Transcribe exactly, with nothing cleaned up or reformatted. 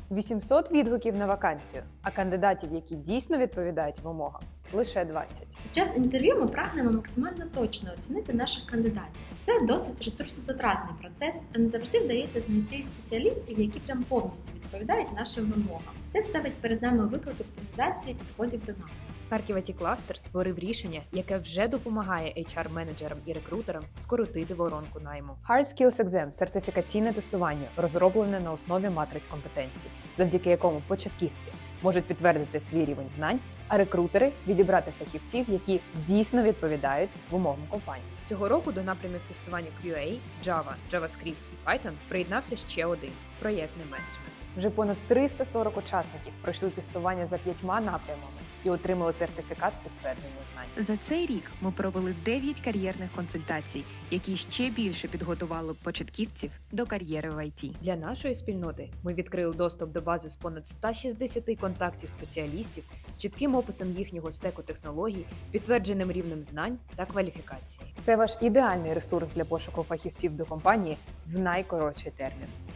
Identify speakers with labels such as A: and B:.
A: вісімсот відгуків на вакансію, а кандидатів, які дійсно відповідають вимогам, лише двадцять.
B: Під час інтерв'ю ми прагнемо максимально точно оцінити наших кандидатів. Це досить ресурсозатратний процес, та не завжди вдається знайти спеціалістів, які прям повністю відповідають нашим вимогам. Це ставить перед нами виклик оптимізації підходів до нас.
A: Харків ай ті Кластер створив рішення, яке вже допомагає ейч ар-менеджерам і рекрутерам скоротити воронку найму. Hard Skills Exam – сертифікаційне тестування, розроблене на основі матриць компетенцій, завдяки якому початківці можуть підтвердити свій рівень знань, а рекрутери – відібрати фахівців, які дійсно відповідають вимогам компанії. Цього року до напрямів тестування кю ей, Java, JavaScript і Python приєднався ще один – проєктний менеджмент. Вже понад триста сорок учасників пройшли тестування за п'ятьма напрямами і отримали сертифікат підтвердження знань.
C: За цей рік ми провели дев'ять кар'єрних консультацій, які ще більше підготували початківців до кар'єри в ай ті.
A: Для нашої спільноти ми відкрили доступ до бази з понад ста шістдесяти контактів спеціалістів з чітким описом їхнього стеку технологій, підтвердженим рівнем знань та кваліфікації. Це ваш ідеальний ресурс для пошуку фахівців до компанії в найкоротший термін.